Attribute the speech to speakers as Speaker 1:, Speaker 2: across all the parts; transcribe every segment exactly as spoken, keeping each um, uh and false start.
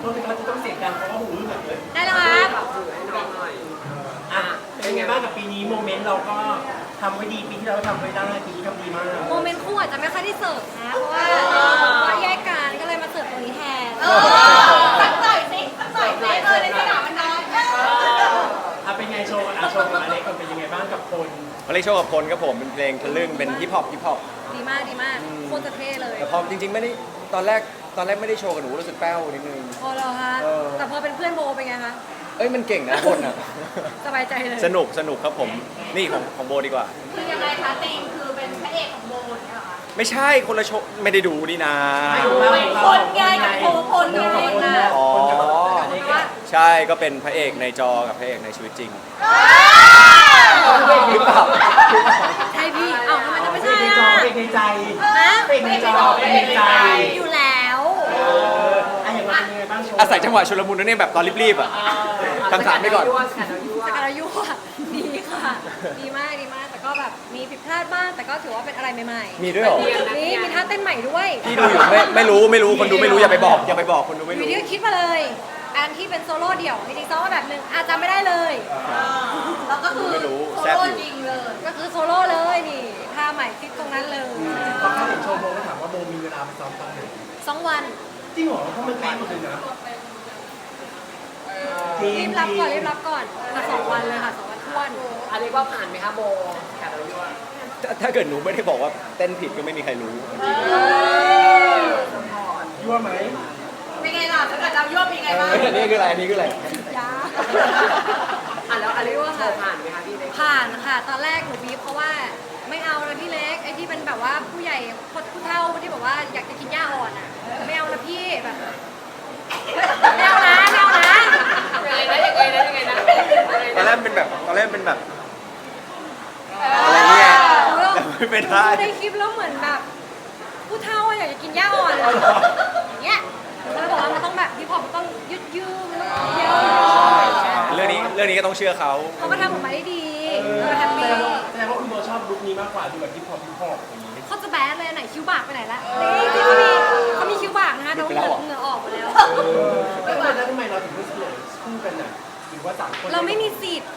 Speaker 1: ษทีครับจะต้องเสียงดังเพราะว่าหูอื้อแบบเลย
Speaker 2: ได้แล้วครับ
Speaker 3: ถือให้น้องหน่อย
Speaker 1: อ่ะเป็นไงบ้างกับปีนี้โมเมนต์เราก็ทำไว้ดีปีที่เราทำไว้ได้ปีนี้ทำดีมาก
Speaker 2: โมเมนต์คู่อาจจะไม่ค่อยได้เสิร์ฟนะ เพราะว่าว่าแยกกันก็เลยมาเสิร์ฟตรงนี้แทนสักหน่อยสิสักหน่อยสิเออในสนามมันน้อย
Speaker 1: อ่ะเป็นไงโชว์อ่ะโชว์กับอเล็กก่อนเป็นยังไงบ้างกับคน
Speaker 4: มาเล่นโชว์กับพลครับผมเป็นเพลงทะลึ่งเป็นฮิปฮอปฮิปฮอป
Speaker 2: ดีมากดีมากโคตรจะเท่เลย
Speaker 4: แต่พอจริงๆไม่ได้ตอนแรกตอนแรกไม่ได้โชว์กับหนูรู้สึกแป้วนิดนึง
Speaker 2: พอแล้วฮะ
Speaker 4: เออ
Speaker 2: แต่พอเป็นเพื่อนโบเป็นไงคะ
Speaker 4: เอ้ยมันเก่งนะคนอ่ะ
Speaker 2: สบายใจเลย
Speaker 4: สนุกสนุกครับผมนี่ของของโบดีกว่า
Speaker 2: คือยังไงคะตีมคือเป็นพระเอกของโบเนี่ยเหรอคะ
Speaker 4: ไม่ใช่คนละโชว์ไม่ได้ดูนี่นะ
Speaker 2: เป็นคนไงกับโบคนไงนะ
Speaker 4: อ๋อ
Speaker 2: ว่า
Speaker 4: ใช่ก็เป็นพระเอกในจอกับพระเอกในชีวิตจริง
Speaker 1: หรือเปล่า
Speaker 2: ใช่พี่เอ้าทำไมจะไม่
Speaker 1: เป็
Speaker 2: ใช่
Speaker 1: นในจอ
Speaker 2: อ่ะ
Speaker 1: เป็นในใจ
Speaker 2: ฮะ
Speaker 1: เป็นในจอเป็นในใจ
Speaker 2: อยู่แล้ว
Speaker 1: เอออ่ะอย่างเราเป็นยังไงบ้างโชว์
Speaker 4: อาศัยจังหวะชุลมุนนั่นเองแบบตอนรีบๆอ่ะคำถามไปก่อน
Speaker 3: ยั่วสกัดเอายั่ว
Speaker 2: สการยุอ่ะดีค่ะ ดีมากดีมาก แต่ก็แบบมีผิดพลาดบ้าง แต่ก็ถือว่าเป็นอะไรใหม่ๆ
Speaker 4: มีด้วยเหรอ
Speaker 2: นี่มีท่าเต้นใหม่ด้วย
Speaker 4: พี่ดูอยู่ไม่ไม่รู้ไม่รู้คนดูไม่รู้อย่าไปบอกอย่าไปบอกคนดูไม่
Speaker 2: อ
Speaker 4: รู้
Speaker 2: ยู่ดีก็คิดมาเลย อันที่เป็นโซโล่เดี่ยวจริงๆซ้อมมาแบบหนึ่งอาจจะไม่ได้เลยแล้วก็คือ
Speaker 4: ไม่รู้
Speaker 2: โซ
Speaker 4: แซ่บ
Speaker 2: โล่
Speaker 4: อยู่
Speaker 2: จริงเลย ก็คือโซโล่เลยนี่ท่าใหม่คิดตรงนั้นเลย
Speaker 1: พอเขาเห็นโชว์โมก็ถามว่าโมมีเวลาไปซ้อมตอนไหน
Speaker 2: สองวัน
Speaker 1: จริงเหรอเพราะมันเป๊ะหมดเลยนะ
Speaker 2: รีบรับก่อนรีบรับก่อนมาสองวันเลยค่ะสองวันท้วน
Speaker 3: อันนี้ว่าผ่านไหมคะโบสกัดเอายั่ว
Speaker 4: ถ้าถ้าเกิดหนูไม่ได้บอกว่าเต้นผิดก็ไม่มีใครรู้
Speaker 1: ยั่วไหม
Speaker 2: เป็นไงล่ะถ้าเกิดเรายั่วเป็นไงบ้าง
Speaker 4: อันนี้คืออะไรอันนี้คืออะไร
Speaker 2: ยา
Speaker 3: อ่ะแล้วอันนี้ว่าโชว์ผ่านไหมคะพี่เล็ก
Speaker 2: ผ่านค่ะ ตอนแรกหนูบีบเพราะว่าไม่เอานะพี่เล็กไอ้ที่เป็นแบบว่าผู้ใหญ่คนผู้เฒ่าที่แบบว่าอยากจะกินหญ้าอ่อนอ่ะไม่เอานะพี่แบบไม่เอานะไม่เอานะ
Speaker 3: ยังไงนะยังไงนะยังไงนะ
Speaker 4: ตอนแรกเป็นแบบตอนแรกเป็นแบบอะไรเงี้ยแต่ไม่เป็นไร
Speaker 2: ดูในคลิปแล้วเหมือนแบบผู้เฒ่าอะอยากจะกินหญ้าอ่อนอย่างเงี้ยหนูก็เลยบอกว่ามันต้องแบบพี่พอมันต้องยืดยืดมันต้องเยอะ
Speaker 4: เรื่องนี้เรื่องนี้ก็ต้องเชื่อเขา
Speaker 2: เขาก็ทำออกมาได้ดี
Speaker 1: เออ
Speaker 2: เขาก็แฮป
Speaker 1: แส
Speaker 2: ปี้
Speaker 1: ดงว่าแสดงว่าคุณโมชอบลุคนี้มากกว่าดูแบบฮิปฮอปฮิปฮอปอย่างนี้
Speaker 2: เขาจะแบดเลยไหนคิ้วบากไปไหนละนี่ที่เขามีเขามีคิ้วบากนะคะน้องเหงื่อเหงื่อออกหมดแล้ว
Speaker 1: แล้วทำไมแล้วทำไมเราถึงไม่เสนอคู่กันน่ะหรือว่าต่างคน
Speaker 2: เราไม่มีสิทธิ์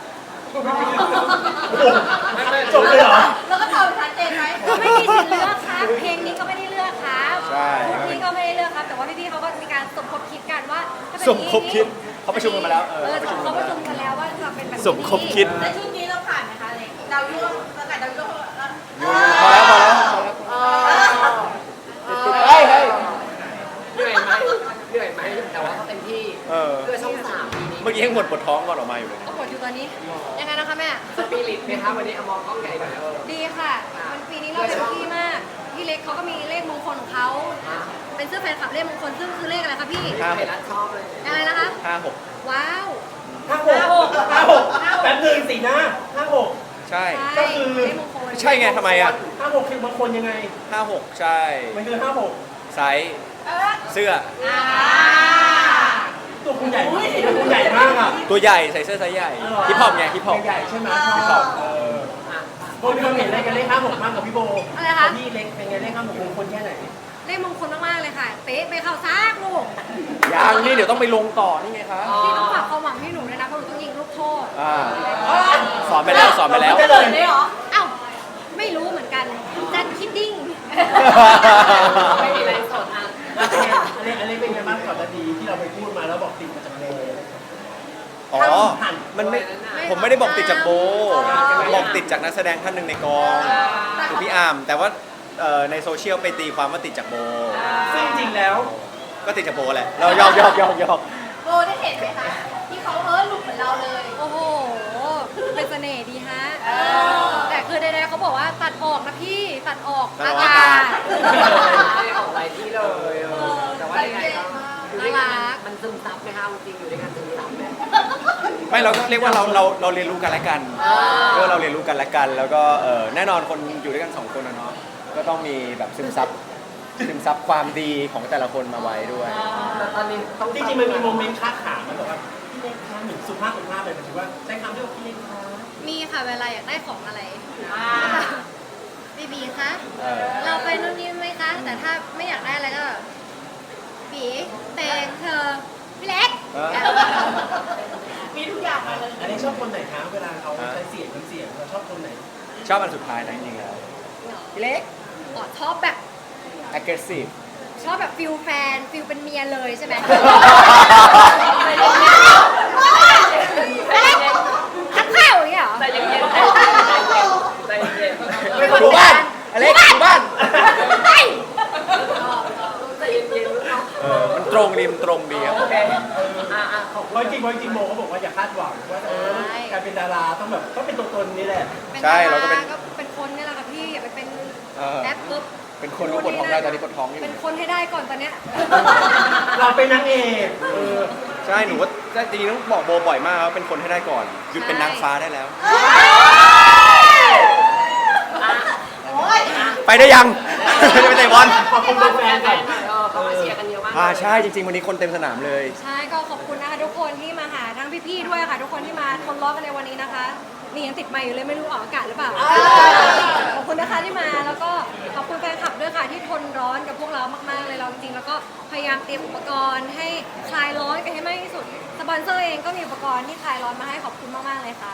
Speaker 1: จบเลยเหรอ
Speaker 2: แล้วก็ตอบชัดเจนไหมไม่มีสิทธิ์เลือกครับเพลงนี้ก็ไม่ได้เลือกครับ
Speaker 4: ใช่
Speaker 2: พี่ก็ไม่ได้เลือกครับ แต่ว่าพี่ๆเขาก็มีการสมคบคิดกันว่าถ้าเป็น
Speaker 4: สมคบคิดเขาประชุมกันมาแล้วเอ
Speaker 2: เอ
Speaker 4: อ
Speaker 2: อ
Speaker 4: ประชุมกั
Speaker 2: เขา
Speaker 4: น
Speaker 2: ป
Speaker 4: มา
Speaker 2: ระ
Speaker 4: แล้ว
Speaker 2: ชุมกันแล้วว่าจะเป็นแบบนี้
Speaker 4: สมคบคิด
Speaker 2: แล้วชุดนี้เราผ่านไหมคะเล็กดาวยั่วประกาศดาวยั่ว
Speaker 4: พอแล้วพอแล้วพอแล้ว เฮ้ยเฮ้ย
Speaker 3: เหนื่อยไหมเหนื่อยไหมแต่ว่าเขาเต็มที่
Speaker 4: เออ
Speaker 3: เพื่อช่องสามปีนี้
Speaker 4: เมื่อกี้ยังหมดปวดท้องก่อนออกมาอยู่เลย
Speaker 2: ก็ปวดอยู่ตอนนี้ ยังไงนะคะแม่
Speaker 3: สปิริตไหมคะวันนี้เอามองกล้องใหญ่หน่อยเออ
Speaker 2: ดีค่ะมันปีนี้เราเต็มที่มากพี่เล็กเขาก็มีเลขมงคลของเขาเป็นเสื้อแฟนคลับเลขมงคลซึ่งคือเลขอะไรคะพี่
Speaker 4: ห้า
Speaker 3: ไท
Speaker 4: ห
Speaker 3: ย
Speaker 4: ก
Speaker 3: รัฐชอบเลย
Speaker 2: อะไรนะคะ
Speaker 4: ห้าหก
Speaker 2: ว้าว
Speaker 1: ห้าหกห้าหกแป๊บหนึงสีหน้าห้าหก
Speaker 4: ใช่
Speaker 1: ก็คือ
Speaker 2: เลขมงคล
Speaker 4: ใช่ไงทำไมอ่ะ
Speaker 1: ห้าหกคือบางคนยังไง
Speaker 4: ห้าหกใช่
Speaker 1: มันคือห้าหก
Speaker 4: ไซส์เสื้อ
Speaker 2: อ่า
Speaker 1: ตัวคุณใหญ่ตัวคุณใหญ่มากอ่ะ
Speaker 4: ตัวใหญ่ใส่เสื้อไซส์ใหญ่ฮิปฮอปไงฮิปฮอป
Speaker 1: ใหญ่ๆใช่ไหม
Speaker 4: ฮิปฮอป
Speaker 1: เออโบมีความเห็นอะไรกันเลขห้าหกมากกับพี่โบ
Speaker 2: อะไรคะ
Speaker 1: พี่เล็กเป็นไงเลขห้าหกมงคลแค่ไหน
Speaker 2: เลขมงคลมากๆเลยค่ะ เป๊ะไปเข้าซากลูก
Speaker 4: ยังนี่เดี๋ยวต้องไปลงต่อนี่ไงครับ
Speaker 2: พี่ต้องฝากความหวังให้หนูด้วยนะเพราะหนูต้องยิงลูกโทษ
Speaker 4: อ่าสอนไปแล้วสอนไปแล้ว
Speaker 1: เราพูดได้เลย
Speaker 2: เลยเหรอเอ้าไม่รู้เหมือนกันจัดคิดดิ้ง
Speaker 3: ไม่มีไรสดอ่ะ
Speaker 1: อันนี้อันนี้เป็นไงบ้างก่อนหน้านี้ที่เราไปพูดมาแล้วบอกติดมาจากโบ
Speaker 4: อ๋อ มันไม่ ผมไม่ได้บอกติดจากโบ บอกติดจากนักแสดงท่านหนึ่งในกองคือพี่อาร์มแต่ว่าเอ่อในโซเชียลไปตีความว่าติดจากโบ
Speaker 1: ซึ่งจริงแล้ว
Speaker 4: ก็ติดจากโบแหละ เรายอกยอกยอกยอก
Speaker 2: โบได้เห็นไหมคะที่เขาเออหลุดเหมือนเราเลย โอ้โห เป็นเสน่ห์ดีฮะ แต่คือใดๆเขาบอกว่าตัดออกนะพี่ตัดออกอากาศ
Speaker 3: ไม่ออกหลายที่เลยเออแต่ว่ายังไงก็อยู่ด้วยกันมันซึมซับไหมคะจริงอยู่ด้วยกันซึมซับไหม
Speaker 4: ไม่เราก็เรียกว่าเราเราเราเรียนรู้กันและกันเรียกว่าเราเรียนรู้กันและกัน แล้วก็เอ่อแน่นอนคนอยู่ด้วยกันสองคนนะเนาะ ก็ต้องมีแบบซึมซับซึมซับความดีของแต่ละคนมาไว้ด้วย
Speaker 3: แต่ตอนนี้ต้อง
Speaker 1: จริงๆมันมีโมเมนต์ค้าขามันบอกว่าพี่เล็กค้าเหมือนสุภาพสุภาพเลยหมายถึงว่าใช้คำที่ว่าพี่เล็กค้า
Speaker 2: มีค่ะเวลาอยากได้ของอะไรบีบีคะ
Speaker 4: เออ
Speaker 2: เราไปนู่นนี่ไหมคะ แต่ถ้าไม่อยากได้อะไรก็บีแตงเธอพี่
Speaker 4: ชอบอันสุดท้ายนะจริงๆแล้วพี่เล็ก
Speaker 2: อ๋อชอบแบบ
Speaker 4: aggressive
Speaker 2: ชอบแบบฟิลแฟนฟิลเป็นเมียเลยใช่ไหมทักข้าวอย่างเงี้ยเหรอ
Speaker 3: ใจเย็นๆใจเย็นๆใจเย็นๆ
Speaker 4: ดูบ้านอเล็กดูบ้าน
Speaker 2: เฮ้ย
Speaker 3: ใจเย็นๆเนาะ
Speaker 4: เออมันตรงดีมันตรงดีครับ
Speaker 3: โอเคอ่ะอ่ะขอบ
Speaker 1: เพ
Speaker 3: คุณ
Speaker 1: ราะจริงเพราะจริงโมเขาบอกว่าอย่าคาดหวังว่าเออการเป็นดาราต้องแบบต้องเป็นตัวตนนี่แหละ
Speaker 4: ใช่เราก็เป็น
Speaker 2: ก็เป็นคนนี่แหละค่ะพี่อย่าไปเป็น
Speaker 4: เออ
Speaker 2: แอปปุ๊บ
Speaker 4: เป็นคนรู้ปวดท้องได้ตอนนี้ปวดท้องอยู่
Speaker 2: เป็นคนให้ได้ก่อนตอนเนี้ย
Speaker 1: เราเป็นนางเอกเออ
Speaker 4: ใช่หนูว่าจริงๆต้องบอกโบบ่อยมากว่าเป็นคนให้ได้ก่อนหยุดเป็นนางฟ้าได้แล้ว ไปได้ยัง จะไปเตะบอล
Speaker 1: ขอบคุณ
Speaker 3: แฟ
Speaker 1: แฟน
Speaker 3: น
Speaker 1: ๆก่อน
Speaker 3: ๆหน่อยเออเขามาเชียร์กันเยอะมาก
Speaker 4: อ่าใช่จริงๆวันนี้คนเต็มสนามเลย
Speaker 2: ใช่ก็ขอบคุณนะคะทุกคนที่มาหาทั้งพี่ๆด้วยค่ะ ทุกคนที่มาทนร้อนกันในวันนี้นะคะนี่ยังติดไมค์อยู่เลยไม่รู้ออกอากาศหรือเปล่าขอบคุณนะคะที่มาแล้วก็ขอบคุณแฟนคลับด้วยค่ะที่ทนร้อนกับพวกเรามากๆเลยเราจริงๆแล้วก็พยายามเตรียมอุปกรณ์ให้คลายร้อนกันให้มากที่สุดสปอนเซอร์เองก็มีอุปกรณ์ที่คลายร้อนมาให้ขอบคุณมากๆเลยค่ะ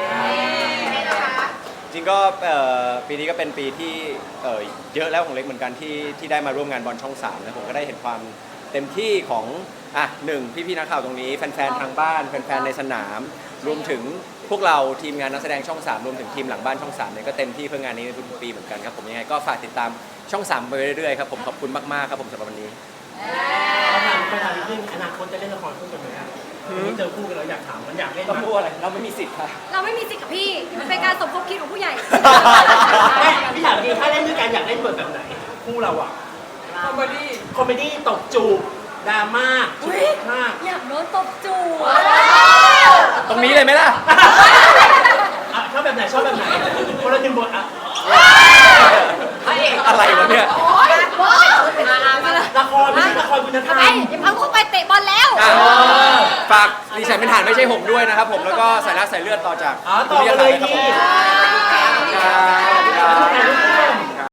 Speaker 4: จริงก็เอ่อปีนี้ก็เป็นปีที่เอ่อเยอะแล้วของเล็กเหมือนกันที่ที่ได้มาร่วมงานบอลช่องสามนะผมก็ได้เห็นความเต็มที่ของอ่ะหนึ่งพี่ๆนักข่าวตรงนี้แฟนๆทางบ้านแฟนๆในสนาม รวมถึงพวกเราทีมงานนักแสดงช่องสามรวมถึงทีมหลังบ้านช่องสามเนี่ยก็เต็มที่เพื่องานนี้ในทุกๆปีเหมือนกันครับผมยังไงก็ฝากติดตามช่องสามไปเรื่อยๆครับผมขอบคุณมากๆครับผมสำหรับวันนี้
Speaker 1: เขาถามเขาถามนิดนึงอนาคตจะเล่นละครคู่กันไหมครับวันนี้เจอคู่กันแล้วอยากถามมันอยากเล่น
Speaker 4: ต้องพูดอะไรเราไม่มีสิทธิ์ค่ะ
Speaker 2: เราไม่มีสิทธิ์กับพี่มันเป็นการสมคบคิดของผู้ใหญ่
Speaker 1: ไม่พี่ถามจริงถ้าเล่นด้วยกันอยากเล่นบทแบบไหนคู่เราอ่ะ
Speaker 3: คอมเมดี้
Speaker 1: คอมเมดี้ตบจูบดราม่าจุ
Speaker 2: อุ๊ย
Speaker 1: กมาก
Speaker 2: อยากโดนตบจูบ
Speaker 4: ตรงนี้เลยไหมล่ะ
Speaker 1: อ่ะชอบแบบไหนชอบแบบไหนคนละหนึ่งบทอ่ะ
Speaker 3: พระเอก
Speaker 4: อะไรวะเนี่ย
Speaker 3: มามามา
Speaker 1: ละครไม่ใช่ละครคุณธร
Speaker 2: ทำ
Speaker 1: ร
Speaker 2: ไม
Speaker 1: ม
Speaker 2: อย่าพังเข้าไปเตะบอลแล้ว
Speaker 4: อ่ะฝากดิฉันเป็นฐานไม่ใช่หงส์ด้วยนะครับผมแล้วก็สายลักสายเลือดต่อจาก
Speaker 1: อ๋อต่อมาเลย
Speaker 4: ครับ
Speaker 1: ดี
Speaker 4: ผม
Speaker 2: โอเค
Speaker 4: ครับ